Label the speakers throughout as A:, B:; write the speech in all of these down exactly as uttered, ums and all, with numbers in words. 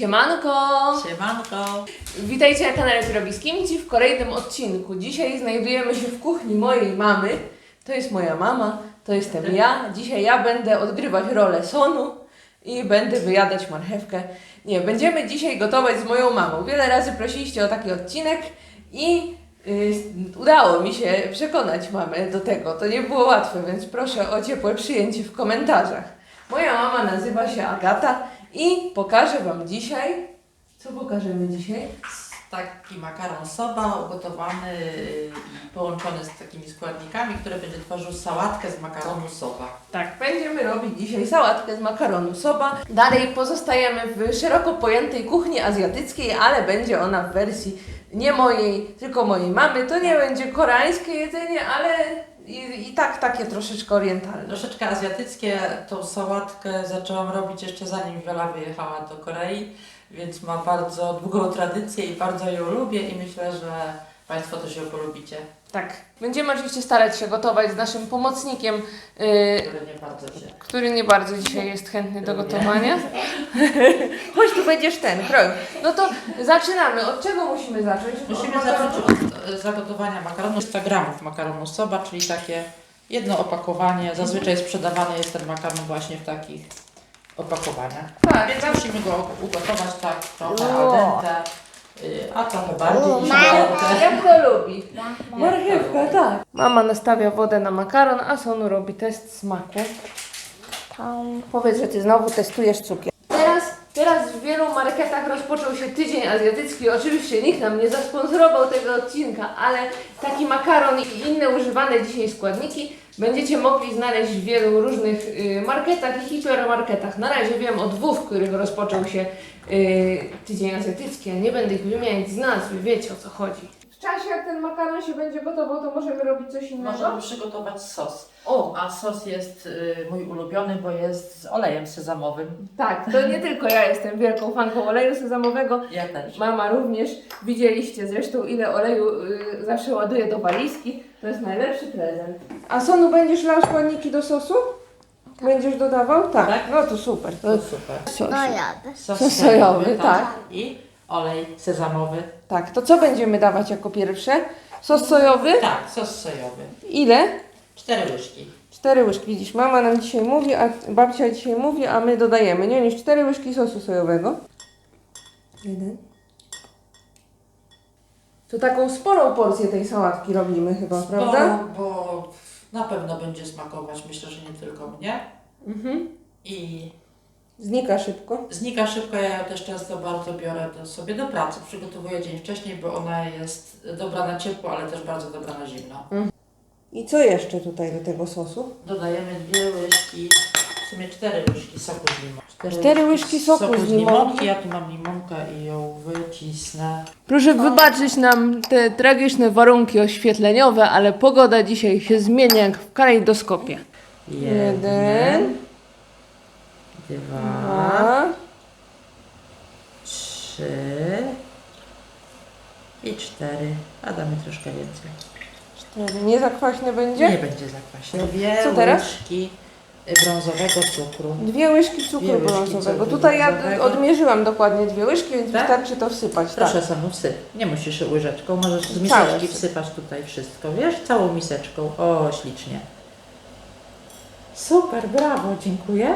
A: Siemanko!
B: Siemanko!
A: Witajcie na kanale Ty robi z Kimci w kolejnym odcinku. Dzisiaj znajdujemy się w kuchni mojej mamy. To jest moja mama, to jestem ja. Dzisiaj ja będę odgrywać rolę Sonu i będę wyjadać marchewkę. Nie, będziemy dzisiaj gotować z moją mamą. Wiele razy prosiliście o taki odcinek i yy, udało mi się przekonać mamę do tego. To nie było łatwe, więc proszę o ciepłe przyjęcie w komentarzach. Moja mama nazywa się Agata i pokażę Wam dzisiaj, co pokażemy dzisiaj?
B: Taki makaron soba ugotowany i połączony z takimi składnikami, które będzie tworzył sałatkę z makaronu soba.
A: Tak, będziemy robić dzisiaj sałatkę z makaronu soba. Dalej pozostajemy w szeroko pojętej kuchni azjatyckiej, ale będzie ona w wersji nie mojej, tylko mojej mamy. To nie będzie koreańskie jedzenie, ale i, i tak takie troszeczkę orientalne.
B: Troszeczkę azjatyckie. Tą sałatkę zaczęłam robić jeszcze zanim Wiola wyjechała do Korei, więc ma bardzo długą tradycję i bardzo ją lubię i myślę, że Państwo też ją polubicie.
A: Tak. Będziemy oczywiście starać się gotować z naszym pomocnikiem, yy,
B: Który nie bardzo się...
A: który nie bardzo dzisiaj jest chętny do gotowania. Chodź, tu będziesz ten, kroj. No to zaczynamy. Od czego musimy zacząć?
B: Musimy
A: Od
B: zacząć
A: makaronu?
B: od e, zagotowania makaronu. sto gramów makaronu soba, czyli takie jedno opakowanie. Zazwyczaj sprzedawany jest ten makaron właśnie w takich opakowaniach.
A: Tak,
B: Więc
A: tak.
B: musimy go ugotować tak trochę
A: O.
B: al dente, y, a trochę bardziej niż
C: Mama.
B: al dente.
A: Jak to lubi? Marchewka, tak. Mama nastawia wodę na makaron, a Sonu robi test smaku. Powiedz, że ty znowu testujesz cukier. Teraz, teraz w wielu marketach rozpoczął się tydzień azjatycki. Oczywiście nikt nam nie zasponsorował tego odcinka, ale taki makaron i inne używane dzisiaj składniki będziecie mogli znaleźć w wielu różnych y, marketach i hipermarketach. Na razie wiem o dwóch, w których rozpoczął się y, tydzień azjatycki, a nie będę ich wymieniać z nazwy, wiecie o co chodzi. W czasie jak ten makaron się będzie gotował, to możemy robić coś innego?
B: Możemy przygotować sos.
A: O,
B: A sos jest y, mój ulubiony, bo jest z olejem sezamowym.
A: tak, to nie tylko ja jestem wielką fanką oleju sezamowego.
B: Ja też.
A: Mama również. Widzieliście zresztą, ile oleju y, zawsze ładuje do walizki. To jest najlepszy prezent. A Sonu, będziesz lał składniki do sosu? Będziesz dodawał? Tak.
B: Tak.
A: No to super.
B: To super.
A: Sos.
C: No jadę.
B: Sos,
A: Sos sojowy, tak.
B: I olej sezamowy.
A: Tak, to co będziemy dawać jako pierwsze? Sos sojowy?
B: Tak, sos sojowy.
A: Ile?
B: Cztery łyżki.
A: Cztery łyżki. Widzisz, mama nam dzisiaj mówi, a babcia dzisiaj mówi, a my dodajemy. Nie niż cztery łyżki sosu sojowego. Jeden. To taką sporą porcję tej sałatki robimy chyba, prawda?
B: Bo, bo na pewno będzie smakować, myślę, że nie tylko mnie.
A: Mhm.
B: I
A: Znika szybko.
B: znika szybko, ja ją też często bardzo biorę do, sobie do pracy. Przygotowuję dzień wcześniej, bo ona jest dobra na ciepło, ale też bardzo dobra na zimno.
A: I co jeszcze tutaj do tego sosu?
B: Dodajemy dwie łyżki, w sumie cztery łyżki soku z limonki.
A: Cztery łyżki soku z limonki.
B: Ja tu mam limonkę i ją wycisnę.
A: Proszę wybaczyć nam te tragiczne warunki oświetleniowe, ale pogoda dzisiaj się zmienia jak w kalejdoskopie. Jeden.
B: Dwa,
A: Dwa.
B: trzy i cztery. A damy troszkę więcej.
A: Cztery. Nie za kwaśne będzie?
B: Nie będzie zakwaśne. Dwie
A: Co teraz?
B: łyżki brązowego cukru.
A: Dwie łyżki cukru
B: Dwie łyżki
A: brązowego.
B: cukru
A: Tutaj ja
B: brązowego.
A: odmierzyłam dokładnie dwie łyżki, więc
B: Tak?
A: wystarczy to wsypać.
B: Proszę
A: Tak.
B: Sonu, wsyp. Nie musisz łyżeczką, możesz z
A: Całe
B: miseczki
A: wsyp.
B: wsypać tutaj wszystko, wiesz? Całą miseczką. O, ślicznie. Super, brawo, dziękuję.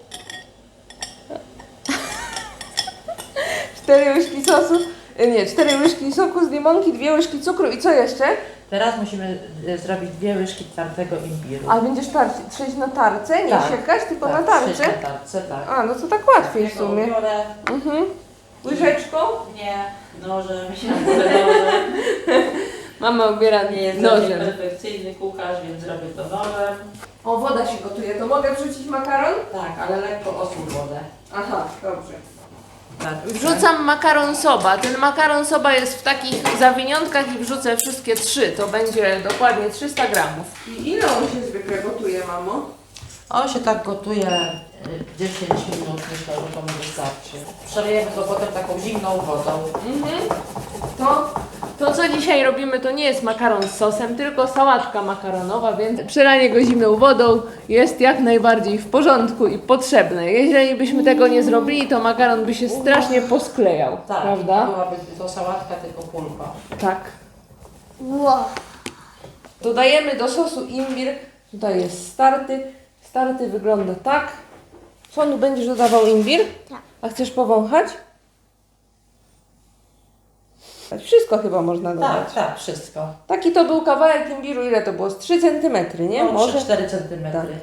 A: Cztery łyżki sosu, nie, cztery łyżki soku z limonki, dwie łyżki cukru i co jeszcze?
B: Teraz musimy e, zrobić dwie łyżki twardego imbiru.
A: A będziesz tarć, trzeć na tarce, nie
B: Tak.
A: siekać, tylko
B: Tak,
A: na tarce?
B: trzy na tarce, tak.
A: A, no to tak łatwiej w
B: Ja go
A: sumie.
B: biorę.
A: Mhm. Łyżeczką?
B: Nie, nożem, nożem.
A: Mama obiera
B: Nie jest
A: nożem.
B: perfekcyjny kucharz, więc robię to nożem.
A: O, woda się gotuje, to mogę wrzucić makaron?
B: Tak, ale lekko osól wodę.
A: Aha, dobrze.
B: Tak.
A: Wrzucam makaron soba. Ten makaron soba jest w takich zawiniątkach i wrzucę wszystkie trzy. To będzie dokładnie trzysta gramów. I ile on się zwykle gotuje, mamo?
B: On się tak gotuje y, dziesięć minut, myślę, że to mu wystarczy. Przelejemy go potem taką zimną wodą.
A: Mhm. To To, co dzisiaj robimy, to nie jest makaron z sosem, tylko sałatka makaronowa, więc przelanie go zimną wodą jest jak najbardziej w porządku i potrzebne. Jeżeli byśmy tego nie zrobili, to makaron by się strasznie posklejał,
B: Tak,
A: prawda?
B: byłaby to sałatka, tylko pulpa.
A: Tak.
C: Wow.
A: Dodajemy do sosu imbir. Tutaj jest starty. Starty wygląda tak. Sonu, będziesz dodawał imbir?
C: Tak.
A: A chcesz powąchać? Wszystko chyba można dodać.
B: Tak, tak, wszystko.
A: Taki to był kawałek imbiru, ile to było? Z trzy centymetry, nie?
B: No,
A: Może?
B: cztery centymetry.
A: Tak.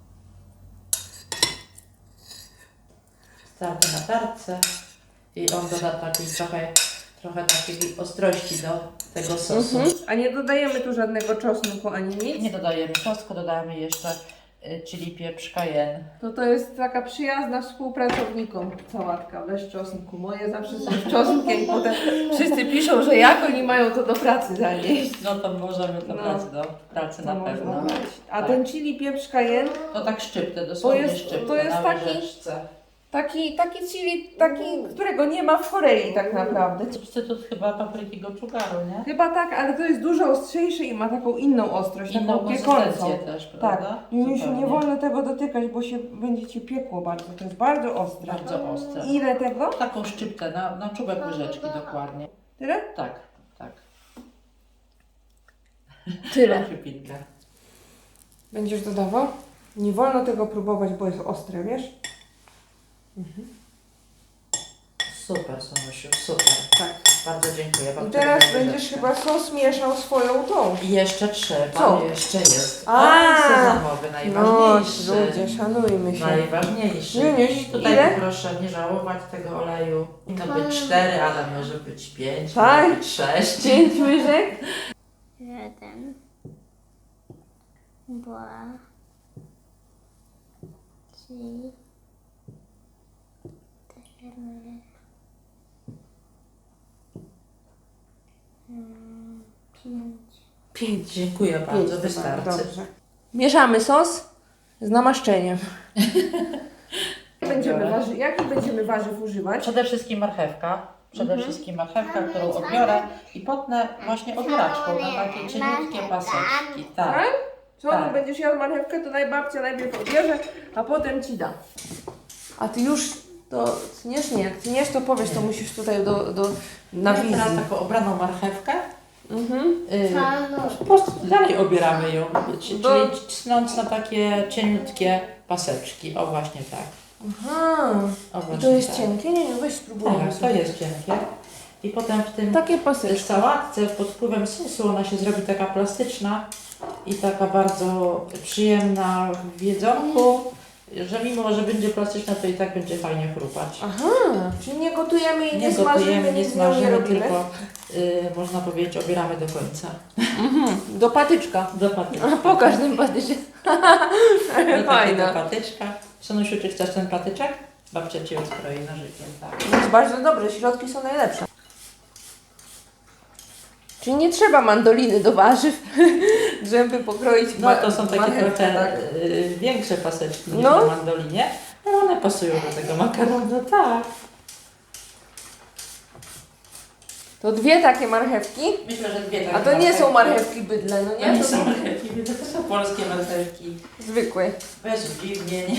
B: Starty na tarce i on doda takiej trochę, trochę takiej ostrości do tego sosu.
A: Mhm. A nie dodajemy tu żadnego czosnku ani nic?
B: Nie dodajemy czosnku, dodajemy jeszcze y, chili pieprz cayenne.
A: To to jest taka przyjazna współpracownikom sałatka bez czosnku. Moje zawsze są z czosnkiem i potem wszyscy piszą, że jak oni mają to do pracy zanieść.
B: No to możemy do
A: No.
B: pracy, do pracy na
A: To
B: pewno.
A: można dać. A
B: Tak.
A: ten chili pieprz cayenne,
B: To tak szczyptę, dosłownie
A: jest-
B: szczyptę
A: to jest
B: na
A: taki-
B: łyżeczce.
A: taki, taki chili, taki, którego nie ma w Korei tak naprawdę.
B: Substytut chyba papryki gochugaru, nie?
A: Chyba tak, ale to jest dużo ostrzejsze i ma taką inną ostrość,
B: Inną
A: taką piekącą.
B: konsystencję też, prawda?
A: Tak, i Misiu,
B: Zupełnie.
A: nie wolno tego dotykać, bo się będzie Ci piekło bardzo. To jest bardzo ostre.
B: Bardzo ostre.
A: Ile tego?
B: Taką szczyptę, na, na czubek łyżeczki dokładnie.
A: Tyle?
B: Tak, tak.
A: Tyle.
B: Chybinka.
A: Będziesz dodawał? Nie wolno tego próbować, bo jest ostre, wiesz?
B: Super, Sonusiu, super.
A: Tak.
B: Bardzo dziękuję.
A: I
B: babci
A: teraz
B: za
A: będziesz
B: łyżeczkę.
A: chyba sos mieszał swoją tą.
B: I jeszcze trzeba,
A: Co?
B: jeszcze jest.
A: A!
B: Olej sezamowy,
A: No,
B: najważniejszy.
A: ludzie, szanujmy się.
B: Najważniejszy.
A: Niuniuś,
B: I tutaj
A: ile?
B: proszę nie żałować tego oleju. Powinno być cztery, ale może być pięć,
A: Tak?
B: może być sześć.
A: Pięć łyżek?
C: Jeden. Dwa. Trzy. Cztery. Mm, Pięć.
A: Pięć.
B: Dziękuję
A: Pięć,
B: bardzo,
A: chyba,
B: wystarczy.
A: dobrze. Mieszamy sos z namaszczeniem. Będziemy warzy... Jakich będziemy warzyw używać?
B: Przede wszystkim marchewka. Przede
A: Mhm.
B: wszystkim marchewka, którą odbiorę i potnę właśnie obieraczką na takie cieniutkie paseczki. Tak.
A: Tak? Co,
B: Tak.
A: tu będziesz jadł marchewkę, to najbabcia najpierw odbierze, a potem Ci da. A Ty już to tniesz? Nie, jak tniesz, to powiesz, to musisz tutaj do, do, na
B: Ja
A: wizji.
B: teraz taką obraną marchewkę.
A: Mhm.
B: Yy, po prostu dalej obieramy ją, czyli
A: Do-
B: cnąc na takie cieniutkie paseczki. O właśnie tak.
A: Aha.
B: O
A: I
B: właśnie
A: to jest
B: tak.
A: cienkie? Nie, nie, weź spróbujmy
B: Tak, to
A: sobie.
B: jest cienkie. I potem w tym
A: Takie
B: w
A: paseczki.
B: sałatce pod wpływem sosu ona się zrobi taka plastyczna i taka bardzo przyjemna w jedzonku, że mimo, że będzie plastyczna, to i tak będzie fajnie chrupać.
A: Aha, czyli nie gotujemy i nie,
B: Nie
A: smażymy,
B: gotujemy, nie
A: nic z nią nie
B: smażymy,
A: robimy.
B: tylko y, można powiedzieć obieramy do końca.
A: Mhm. Do patyczka.
B: Do patyczka.
A: A pokaż ten patyczek.
B: Do takiego
A: Fajne.
B: patyczka. Sonusiu, czy chcesz ten patyczek? Babcia Ci odkroi nożykiem, tak.
A: Jest bardzo dobre, środki są najlepsze. Czyli nie trzeba mandoliny do warzyw, żeby pokroić
B: No
A: ma-
B: to są takie
A: marchewkę,
B: trochę
A: tak?
B: y, większe paseczki niż
A: No.
B: na mandolinie, ale one pasują do tego makaronu, tak.
A: To dwie takie marchewki.
B: Myślę, że dwie takie
A: A to nie są marchewki bydle, no
B: To
A: nie?
B: nie
A: To
B: są
A: są
B: marchewki, to są polskie marchewki.
A: zwykłe.
B: Bez udziwnień.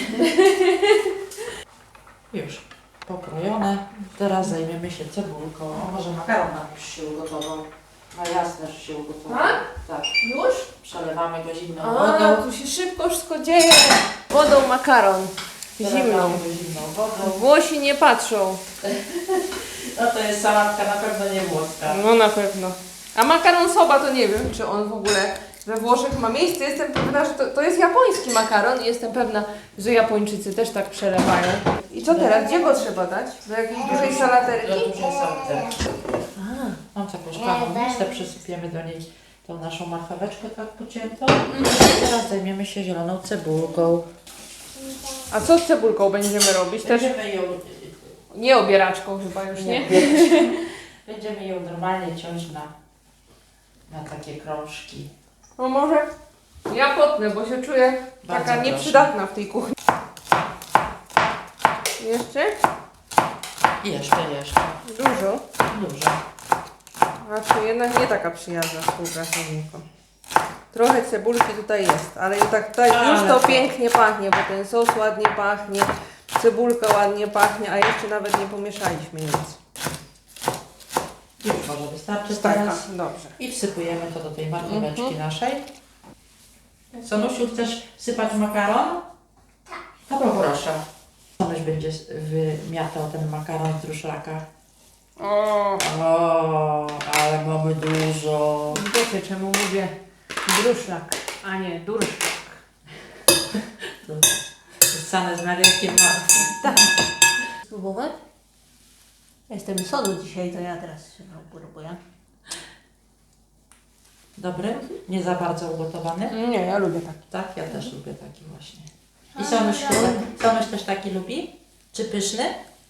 B: Już pokrojone. Teraz zajmiemy się cebulką. O, może makaron nam już się ugotował. No jasne, że się ugotował.
A: Tak?
B: Tak.
A: Już?
B: Przelewamy go zimną
A: A,
B: wodą.
A: tu się szybko wszystko dzieje. Wodą makaron. Zimną.
B: Przelewamy go zimną wodą.
A: Włosi nie patrzą.
B: No to jest sałatka na pewno nie włoska.
A: No na pewno. A makaron soba to nie wiem, czy on w ogóle we Włoszech ma miejsce. Jestem pewna, że to, to jest japoński makaron i jestem pewna, że Japończycy też tak przelewają. I co teraz? Gdzie go trzeba dać? Do jakiejś dużej
B: Do
A: salaterki?
B: dużej sałaterki. Mam taką szklaną misę, przysypiemy do niej tą naszą marcheweczkę tak pociętą. I teraz zajmiemy się zieloną cebulką.
A: A co z cebulką będziemy robić? Też
B: Będziemy ją,
A: nie obieraczką chyba już, nie?
B: będziemy ją normalnie ciąć na, na takie krążki.
A: No może ja potnę, bo się czuję
B: Bardzo
A: taka
B: proszę.
A: nieprzydatna w tej kuchni. Jeszcze?
B: I jeszcze, jeszcze.
A: Dużo.
B: Dużo.
A: A czy jednak nie taka przyjazna współpracownikom. Trochę cebulki tutaj jest, ale i tak tutaj
B: Ale
A: już to
B: to-
A: pięknie pachnie, bo ten sos ładnie pachnie, cebulka ładnie pachnie, a jeszcze nawet nie pomieszaliśmy nic.
B: Już może wystarczy
A: Taka,
B: teraz.
A: dobrze.
B: I wsypujemy to do tej marcheweczki
A: Mhm.
B: naszej. Sonusiu, chcesz sypać makaron? Tak. To poproszę. Sonuś będzie wymiatał ten makaron z druszlaka.
A: O,
B: O, ale mamy dużo.
A: wiecie czemu mówię druszlak, a nie durszlak.
B: To Ssane z Mariakiem ma.
A: Spróbować? Jestem solu dzisiaj, to ja teraz się próbuję.
B: Dobry? Nie za bardzo ugotowany?
A: Nie, ja lubię tak.
B: Tak, ja też lubię taki właśnie. I Sonuś, Sonuś też taki lubi? Czy pyszny?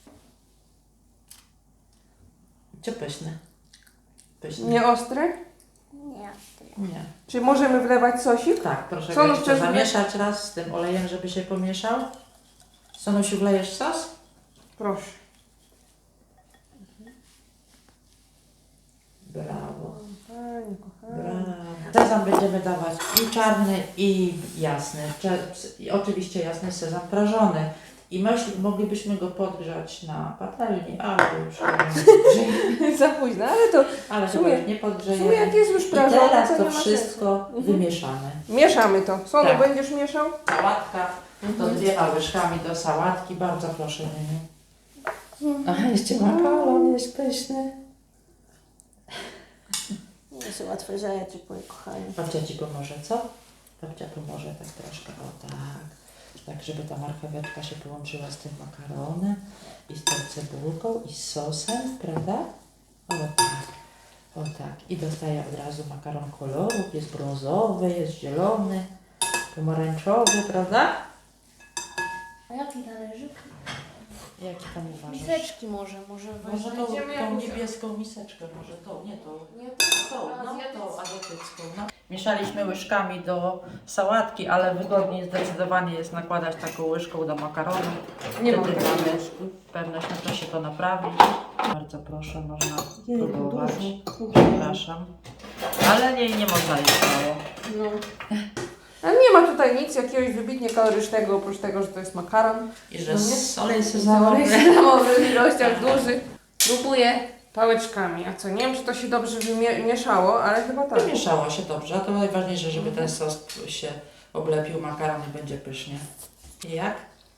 B: Czy pyszny? Pyszny.
A: Nie ostry?
C: Nie.
B: Nie.
A: Czy możemy wlewać sosik?
B: Tak, proszę
A: Sonuś
B: go jeszcze
A: też
B: zamieszać raz z tym olejem, żeby się pomieszał. Sonusiu, wlejesz sos?
A: Proszę.
B: Brawo,
A: Pani kochana.
B: brawo. Sezam będziemy dawać i czarny, i jasny. Cze- I oczywiście jasny sezam prażony. I myśl, moglibyśmy go podgrzać na patelni, ale już nie
A: Za późno, ale to
B: Ale
A: W
B: chyba
A: sumie-
B: już nie
A: w sumie
B: podgrzejemy.
A: jak jest już
B: I
A: prażone,
B: teraz
A: to
B: to
A: nie ma
B: wszystko
A: sensu.
B: wymieszamy.
A: Mieszamy to. Solo,
B: Tak.
A: będziesz mieszał?
B: Sałatka, to dwiema łyżkami do sałatki. Bardzo proszę, Nieniu. Aha, jeszcze makaron jest pyszny.
A: Nie są łatwe rzeczy, moje kochanie.
B: Babcia Ci pomoże, co? Babcia pomoże tak troszkę, o tak. Tak, żeby ta marcheweczka się połączyła z tym makaronem i z tą cebulką i z sosem, prawda? O tak, o tak. I dostaje od razu makaron kolorów, jest brązowy, jest zielony, pomarańczowy, prawda?
C: A jaki talerzyk?
B: Jaki tam uważasz?
C: Miseczki może, może
B: Może tą,
A: Weźmiemy
B: tą
A: jakąś-
B: niebieską miseczkę, może tą, nie tą.
A: Nie,
B: Tą, no, tą azjatycką. No. Mieszaliśmy łyżkami do sałatki, ale wygodniej zdecydowanie jest nakładać taką łyżką do makaronu.
A: Nie mam
B: Wtedy
A: takiej
B: mamy
A: łyżki.
B: pewność, że to się to naprawi. Bardzo proszę, można
A: Jejku,
B: próbować.
A: dużo.
B: Przepraszam. Ale nie, nie można jeść mało.
A: No. Ale nie ma tutaj nic jakiegoś wybitnie kalorycznego, oprócz tego, że to jest makaron.
B: I że
A: No nie?
B: z olej
A: Zamory
B: sezamowy.
A: sezamowy w ilościach dużych. Próbuję pałeczkami. A co, nie wiem, czy to się dobrze wymieszało, ale chyba tak.
B: Wymieszało się dobrze, a to najważniejsze, żeby ten sos się oblepił makaron i będzie pysznie. I jak?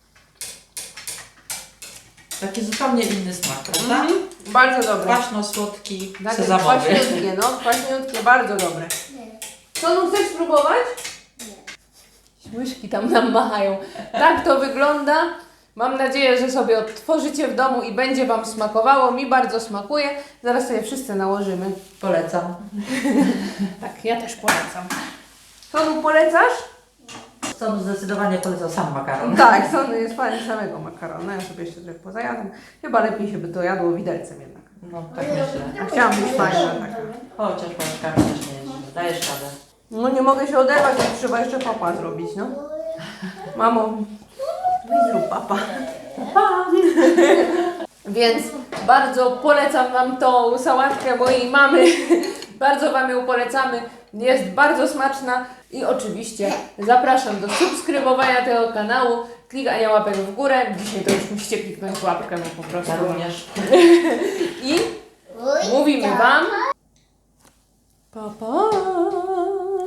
B: Taki zupełnie inny smak, prawda?
A: Mhm. Bardzo dobre.
B: Kwaśno-słodki,
A: Tak,
B: sezamowy.
A: kwaśniutkie, no, kwaśniutkie, bardzo dobre. Co, no chcesz spróbować? Nie. Łyżki tam nam machają. Tak to wygląda. Mam nadzieję, że sobie odtworzycie w domu i będzie Wam smakowało. Mi bardzo smakuje. Zaraz sobie wszyscy nałożymy.
B: Polecam.
A: Tak, ja też polecam. Sonu, polecasz?
B: Sonu zdecydowanie polecam sam makaron.
A: Tak, Sonu jest fanem samego makaronu. Ja sobie jeszcze trochę pozajadam. Chyba lepiej się by to jadło widelcem jednak.
B: No, tak myślę.
A: Chciałam być fajna taka.
B: Chociaż łyżkami też nie jest. Dajesz radę.
A: No nie mogę się oderwać, bo trzeba jeszcze papa zrobić, no. Mamo, weź zrób papa. Papa. Więc bardzo polecam Wam tą sałatkę mojej mamy. Bardzo Wam ją polecamy. Jest bardzo smaczna i oczywiście zapraszam do subskrybowania tego kanału, klikania łapek w górę. Dzisiaj to już musicie kliknąć łapkę, bo po prostu.
B: Ja również.
A: I mówimy Wam pa pa.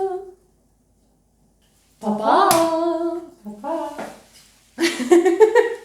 A: Pa pa.
B: Pa, pa.